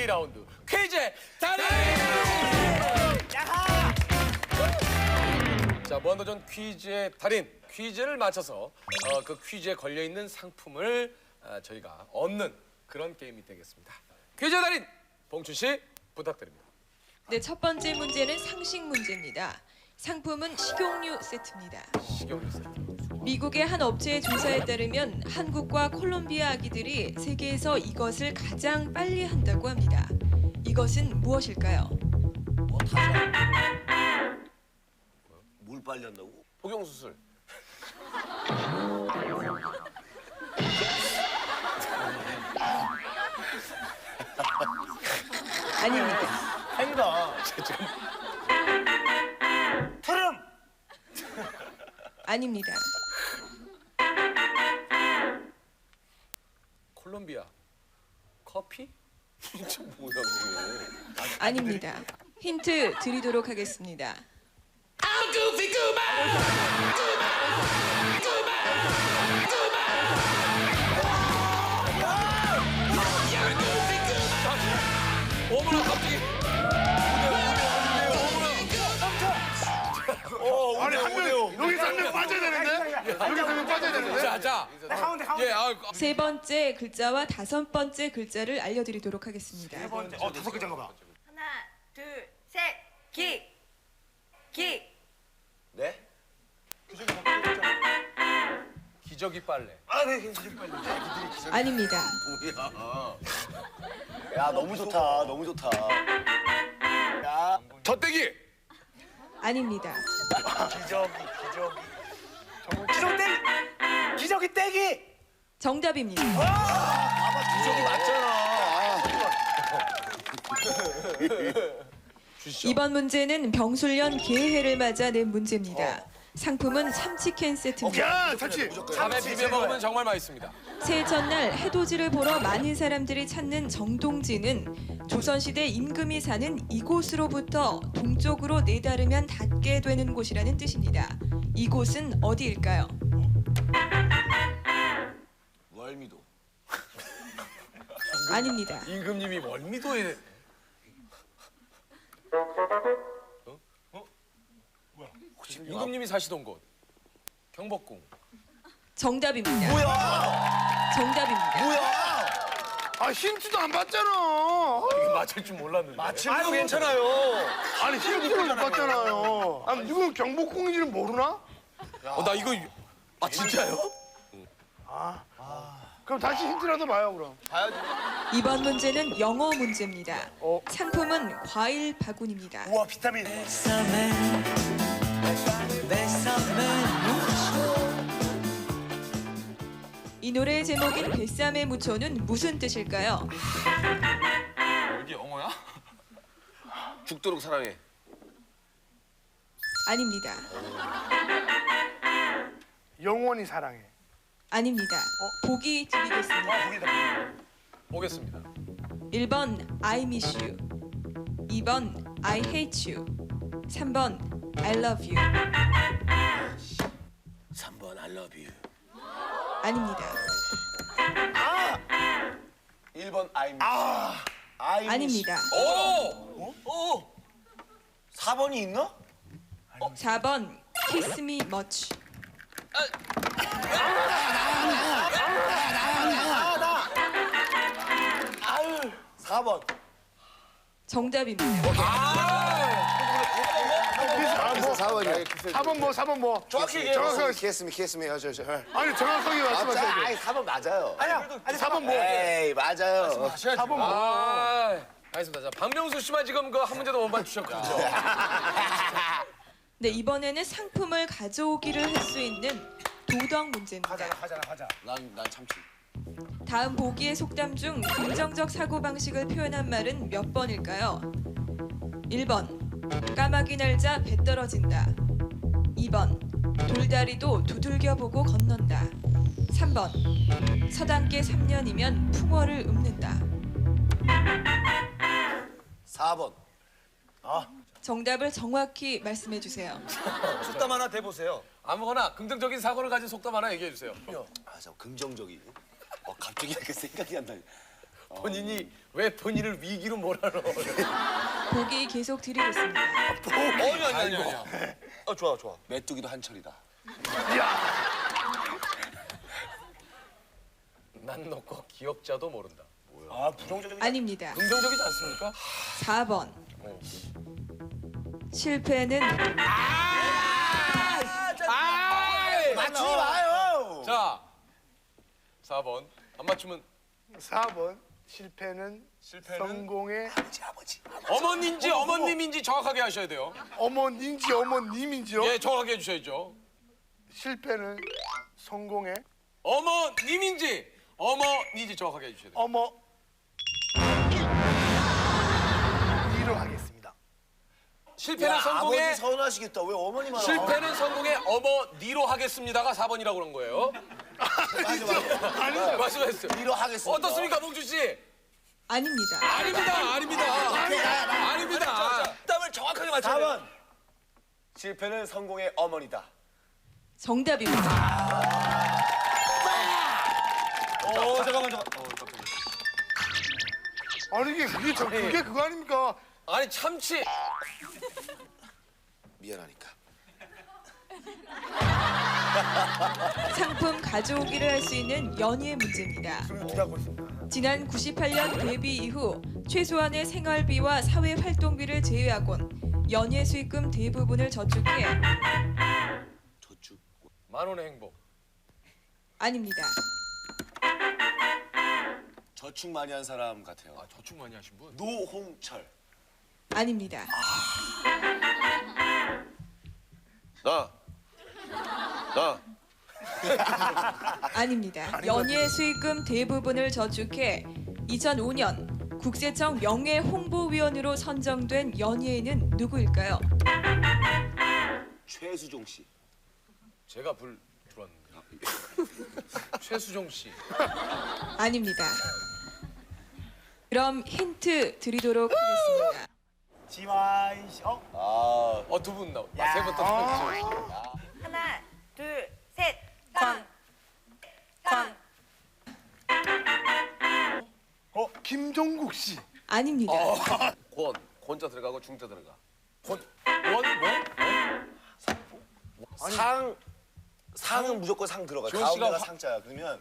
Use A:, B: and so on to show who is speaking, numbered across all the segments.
A: 2라운드 퀴즈 달인! 자, 무한도전 퀴즈의 달인, 퀴즈를 맞춰서 그 퀴즈에 걸려있는 상품을 저희가 얻는 그런 게임이 되겠습니다. 퀴즈의 달인, 봉춘 씨 부탁드립니다.
B: 네, 첫 번째 문제는 상식 문제입니다. 상품은 식용유 세트입니다.
A: 식용유 세트.
B: 미국의 한 업체의 조사에 따르면 한국과 콜롬비아 아기들이 세계에서 이것을 가장 빨리 한다고 합니다. 이것은 무엇일까요?
C: 뭘 빨리 한다고?
A: 복용수술.
B: 아닙니다.
C: 행가. 트름.
B: 아닙니다.
A: 콜롬비아. 커피?
C: 진짜 뭐야 이게?
B: 아닙니다. 힌트 드리도록 하겠습니다.
A: 어머나 갑자기.
D: 아니 한 명, 여기서 한 명 빠져야 되는데? 여기서 한 명 빠져야 되는데?
A: 자.
C: 가운데.
A: 예,
B: 세 번째 글자와 다섯 번째 글자를 알려드리도록 하겠습니다.
C: 다섯 글자인가 봐.
E: 하나, 둘, 셋, 기.
C: 네?
A: 기저귀 빨래.
C: 아, 네, 괜찮아요. 빨리.
B: 아닙니다.
C: 뭐야? 야, 너무 좋다. 너무 좋다. 야,
A: 젖대기.
B: 아닙니다.
C: 기저귀 떼기.
B: 정답입니다.
C: 기저귀 맞잖아.
A: 주시죠.
B: 이번 문제는 병술년 개해를 맞아 낸 문제입니다. 상품은 참치캔 세트입니다.
D: 야, 참치.
A: 밤에 비벼 먹으면 정말 맛있습니다.
B: 새해 첫날 해돋이를 보러 많은 사람들이 찾는 정동지는 조선시대 임금이 사는 이곳으로부터 동쪽으로 내다르면 닿게 되는 곳이라는 뜻입니다. 이곳은 어디일까요?
C: 월미도.
B: 아닙니다.
A: 임금님이 월미도에 임금님이 사시던 곳 경복궁.
B: 정답입니다.
C: 뭐야?
B: 정답입니다.
C: 뭐야?
D: 아, 힌트도 안 받잖아.
A: 이게 맞을 줄 몰랐는데.
C: 아유, 괜찮아요.
D: 아니, 힌트를 못 받잖아요. 아, 누군 경복궁인지는 모르나?
A: 나 이거 진짜요?
D: 그럼 다시 힌트라도 봐요, 그럼.
B: 이번 문제는 영어 문제입니다. 상품은 과일 바구니입니다.
C: 우와, 비타민.
B: 이 노래의 제목인 뱃삼에 묻혀는 무슨 뜻일까요?
A: 이게 영어야?
C: 죽도록 사랑해.
B: 아닙니다.
D: 영원히 사랑해.
B: 아닙니다. 보기 드리겠습니다.
A: 보겠습니다.
B: 1번 I miss you, 2번 I hate you, 3번 I love you.
C: 3번 I love you.
B: 아닙니다.
C: 1번 I miss you. I miss
B: 아닙니다.
A: 오!
C: 4번이 있나?
B: 4번 Kiss me much.
C: 4번.
B: 정답입니다.
D: 뭐,
F: 4번이요.
D: 4번 뭐, 4번 뭐.
C: 정확히 얘기해요.
D: 정확하게.
F: 키스미.
D: 아니, 정확하게 말씀하세요.
F: 아니, 4번 맞아요.
C: 아니야.
D: 4번 뭐.
F: 에이, 맞아요.
D: 4번 뭐.
A: 알겠습니다. 자, 박명수 씨만 지금 그 한 문제도 못 맞추셨거든요.
B: 네, 이번에는 상품을 가져오기를 할 수 있는 도덕 문제입니다.
C: 하자.
F: 난 참치.
B: 다음 보기의 속담 중 긍정적 사고방식을 표현한 말은 몇 번일까요? 1번 까마귀 날자 배 떨어진다, 2번 돌다리도 두들겨보고 건넌다, 3번 서당계 3년이면 풍어를 읊는다.
F: 4번.
B: 정답을 정확히 말씀해 주세요.
C: 속담 하나 대보세요.
A: 아무거나 긍정적인 사고를 가진 속담 하나 얘기해 주세요.
F: 아, 저 긍정적인. 갑자기 이렇게 생각이 안 나네.
A: 본인이 왜 본인을 위기로 몰아넣어?
B: 보기 계속 드리겠습니다.
F: 아니. 좋아. 메뚜기도 한철이다.
A: 난 놓고 기억자도 모른다.
C: 아 부정적인.
B: 아닙니다.
A: 긍정적이지 않습니까?
B: 4번. 실패는
F: 맞추지 마요.
A: 자, 4번 안 맞추면
D: 4번 실패는 성공의
F: 아버지.
A: 어머니인지 어머님인지 정확하게 하셔야 돼요.
D: 어머니인지 어머님인지요?
A: 예, 정확하게 해주셔야죠.
D: 실패는 성공의
A: 어머님인지 어머니인지 정확하게 해주셔야 돼요.
D: 어머니로 하겠습니다.
A: 실패는
F: 야,
A: 성공의
F: 아버지 서운하시겠다. 왜 어머니만
A: 실패는 성공의 어머니로 하겠습니다가 4번이라고 그런 거예요.
F: 맞아.
A: 말씀하셨어요.
F: 니로 하겠습니다.
A: 어떻습니까, 봉준 씨?
B: 아닙니다.
A: 아닙니다.
F: 답을 정확하게 맞춰야 돼요. 4번. 실패는 성공의 어머니다.
B: 정답입니다.
F: 잠깐만.
D: 아니 그게 그거 아닙니까?
A: 아니 참치.
F: 미안하니까.
B: 상품 가져오기를 할 수 있는 연예 문제입니다.
D: 기대하고 있습니다.
B: 지난 98년 데뷔 이후 최소한의 생활비와 사회활동비를 제외하곤 연예 수익금 대부분을 저축해
F: 저축.
A: 10,000원의 행복.
B: 아닙니다.
F: 저축 많이 한 사람 같아요.
A: 아, 저축 많이 하신 분?
F: 노홍철.
B: 아닙니다.
F: 나.
B: 아닙니다. 연예 수익금 대부분을 저축해 2005년 국세청 명예홍보위원으로 선정된 연예인은 누구일까요?
F: 최수종 씨.
A: 제가 들어왔는데. 최수종 씨.
B: 아닙니다. 그럼 힌트 드리도록 하겠습니다.
C: 지와이
A: 두 분 나오. 세번 또.
E: 하나, 둘, 셋. 권.
D: 김종국 씨.
B: 아닙니다.
F: 권자 들어가고 중자 들어가. 상은 무조건 상 들어가.
A: 지원 씨가
F: 가운데가 상자야. 그러면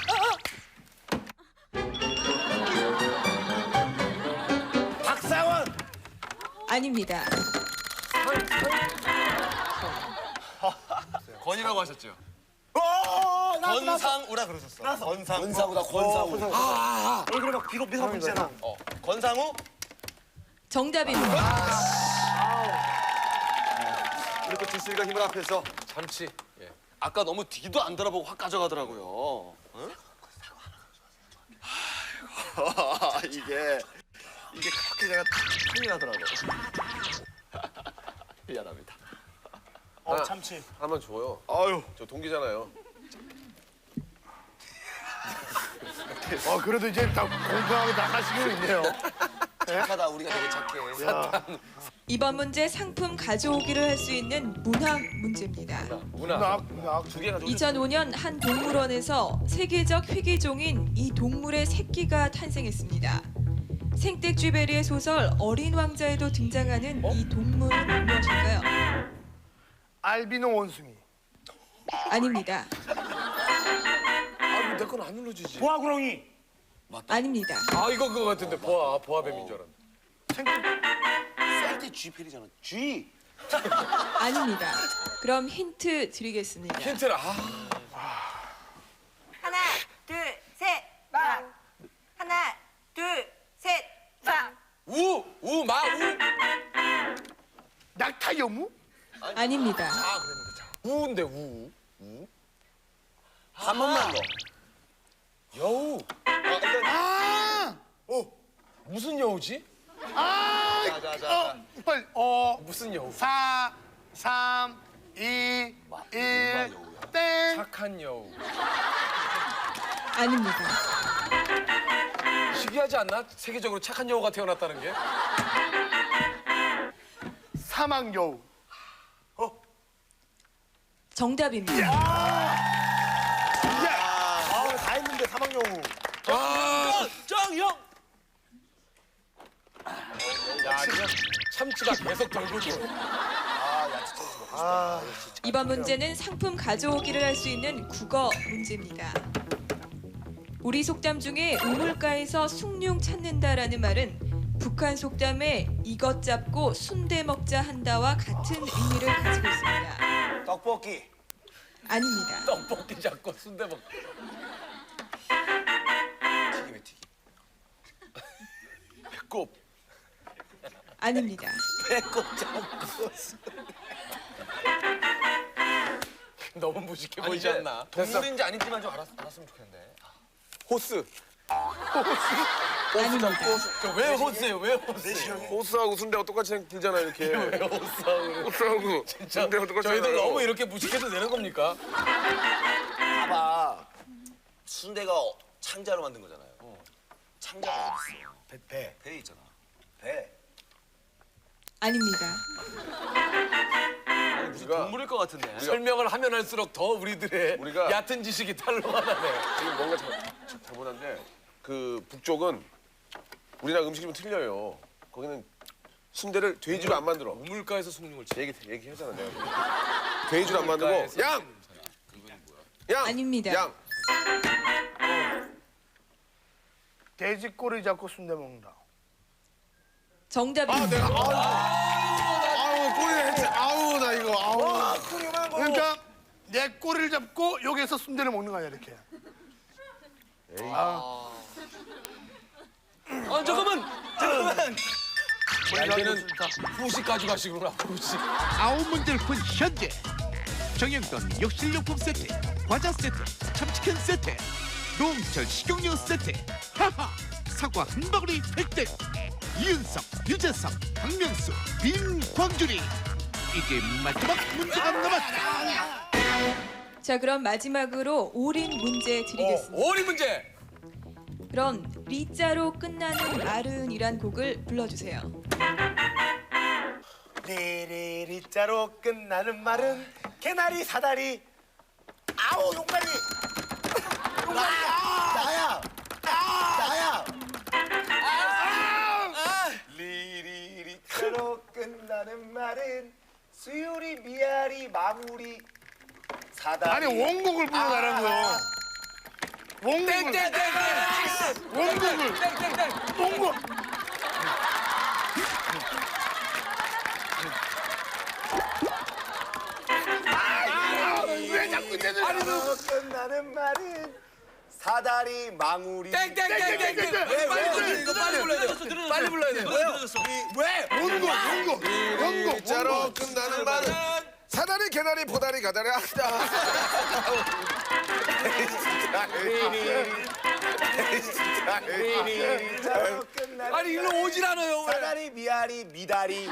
F: 박상원.
B: 아닙니다.
A: 권이라고 하셨죠?
F: 권상우라 그러셨어. 권상우다.
C: 얼굴에 막 비록 미소 붙이잖아.
F: 권상우?
B: 정답입니다.
F: 이렇게 두슬이가 힘을 앞에서
A: 참치. 예.
F: 아까 너무 뒤도 안 돌아보고 확 가져가더라고요. 응? 이게 그렇게 내가 큰일 나더라고. 미안합니다.
C: 참치.
A: 한번 줘요.
F: 아유.
A: 저 동기잖아요.
D: 그래도 이제 다 공평하게 나가시고 있네요.
F: 착하다. 우리가 되게 착해.
B: 이번 문제 상품 가져오기를 할 수 있는 문학 문제입니다.
A: 문화.
D: 두 개가
B: 2005년 한 동물원에서 세계적 희귀종인 이 동물의 새끼가 탄생했습니다. 생텍쥐베리의 소설 어린 왕자에도 등장하는 이 동물은 무엇일까요?
D: 알비노 원숭이.
B: 아닙니다.
A: 내 건 안 눌러주지.
C: 보아구렁이.
B: 아닙니다.
A: 이거 그거 같은데 보아뱀인 줄 알았는데.
F: 셀티 G필이잖아. G.
B: 아닙니다. 그럼 힌트 드리겠습니다.
A: 힌트를
E: 하나, 둘, 셋. 빵. 하나, 둘, 셋. 빵.
A: 우.
D: 낙타 여무?
B: 아닙니다.
A: 우인데 우.
F: 한 번만 더.
A: 여우. 무슨 여우지?
D: 빨리.
A: 무슨 여우?
D: 4, 3, 2, 1, 땡.
A: 착한 여우.
B: 아닙니다.
A: 신기하지 않나? 세계적으로 착한 여우가 태어났다는 게.
D: 사막 여우.
B: 정답입니다.
C: 다 했는데 사막여우.
F: 정영.
A: 참치가 계속 돌고 돌.
B: 이번 문제는 상품 가져오기를 할 수 있는 국어 문제입니다. 우리 속담 중에 우물가에서 숭늉 찾는다라는 말은 북한 속담에 이것 잡고 순대 먹자 한다와 같은 의미를 가지고 있습니다.
F: 떡볶이.
B: 아닙니다.
A: 떡볶이 잡고 순대 먹.
F: 튀김에 튀김.
A: 배꼽.
B: 아닙니다.
F: 배꼽 잡고.
A: 너무 무식해 보이지 않나?
F: 동물인지 아닌지만 좀 알았으면 좋겠는데.
C: 호스.
B: 아닙니다.
A: 왜 호스예요? 왜 호스?
D: 호스하고 순대가 똑같이 생기잖아 이렇게.
A: 왜 호스하고?
D: 호스하고 순대가 똑같이
A: 저희들
D: 생겨요.
A: 너무 이렇게 무식해도 되는 겁니까?
F: 봐봐. 순대가 창자로 만든 거잖아요. 창자가 어디 있어? 배에 있잖아. 배.
B: 아닙니다.
F: 무슨 동물일 것 같은데.
A: 설명을 하면 할수록 더 우리들의
D: 우리가-
A: 얕은 지식이 탄로가 나네.
D: 지금 뭔가 잘못한데 그 북쪽은 우리나라 음식이 좀 틀려요. 거기는 순대를 돼지로 안 만들어.
A: 우물가에서 숭늉을 치.
D: 얘기하잖아 내가. 돼지로 안 만들고 양.
B: 아닙니다.
D: 양.
G: 돼지 꼬리 잡고 순대 먹는다.
B: 정답입니다.
D: 아우 꼬리 했지. 아우 나 이거 아우.
G: 그러니까 내 꼬리를 잡고 여기서 순대를 먹는 거 아니야 이렇게.
A: 잠깐만. 이제는 후식 가져가시구나. 후식.
H: 9문제를 푼 현재 정형돈 욕실용품 세트, 과자 세트, 참치캔 세트, 노홍철 식용유 세트, 하하 사과 한 바구니 획득. 이윤석, 유재석, 박명수, 빈광준이 이제 마지막 문제가 남았다.
B: 자, 그럼 마지막으로 올인 문제 드리겠습니다.
A: 오리 문제.
B: 그럼 리자로 끝나는 말은이란 곡을 불러주세요.
C: 리리리자로 끝나는 말은 개나리 사다리. 아우 용가리. 나야. 나야. 리리리자로 끝나는 말은 수유리 미아리 마무리 사다리.
G: 아니 원곡을 불러달라고요. 원곡을. 원곡을. 원곡. 왜 자꾸 내
C: 리리리자로 끝나는 말은 사다리 망우리.
A: 땡땡땡땡. 이거 빨리 불러야 돼. 빨리 불러야 돼.
C: 왜?
G: 원곡. 원곡.
D: 자로 끝나는 말은 사다리 개나리 보다리 가다리 하다.
C: 리리리자로 끝나는
A: 아니 일로 오질 않아요. 왜?
C: 사다리 미아리 미다리.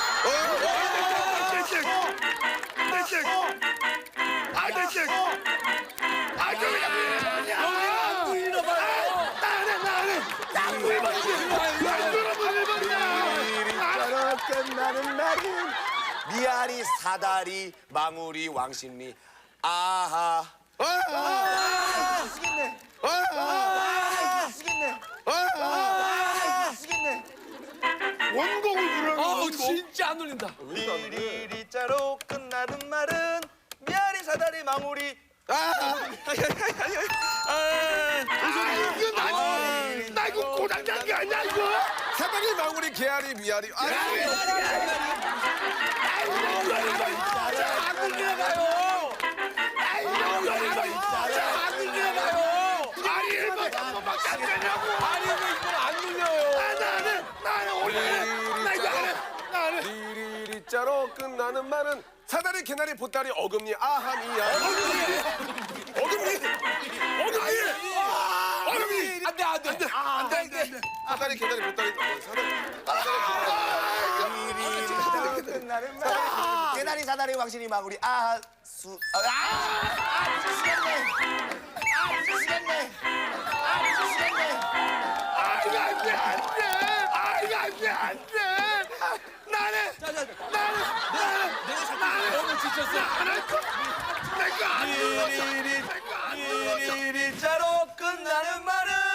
C: 리리리자로 끝나는 말은 미아리 사다리 망우리 왕십리. 아하. 미치겠네. 미치겠네. 미치겠네.
G: 원곡을 부르는
A: 아우 진짜 안 울린다.
C: 리리리자로 끝나는 말은 미아리 사다리 망우리.
G: 나 이거 고장난 게 아니야 이거.
D: 사다리 망우리 개아리 미아리.
A: 아니 왜 이걸 안 눌려요?
D: 리리리자로 끝나는 말은 사다리 개나리 보따리 어금니 아함이야. 어금니.
A: 안돼.
D: 사다리 개나리 보따리
C: 리리리자로 끝나는 말은 개나리 사다리 왕십리 망우리. 아하 수. 미치겠네. 미치겠네. 미치겠네.
A: 너무 지쳤어.
C: 리리리자로 끝나는 말은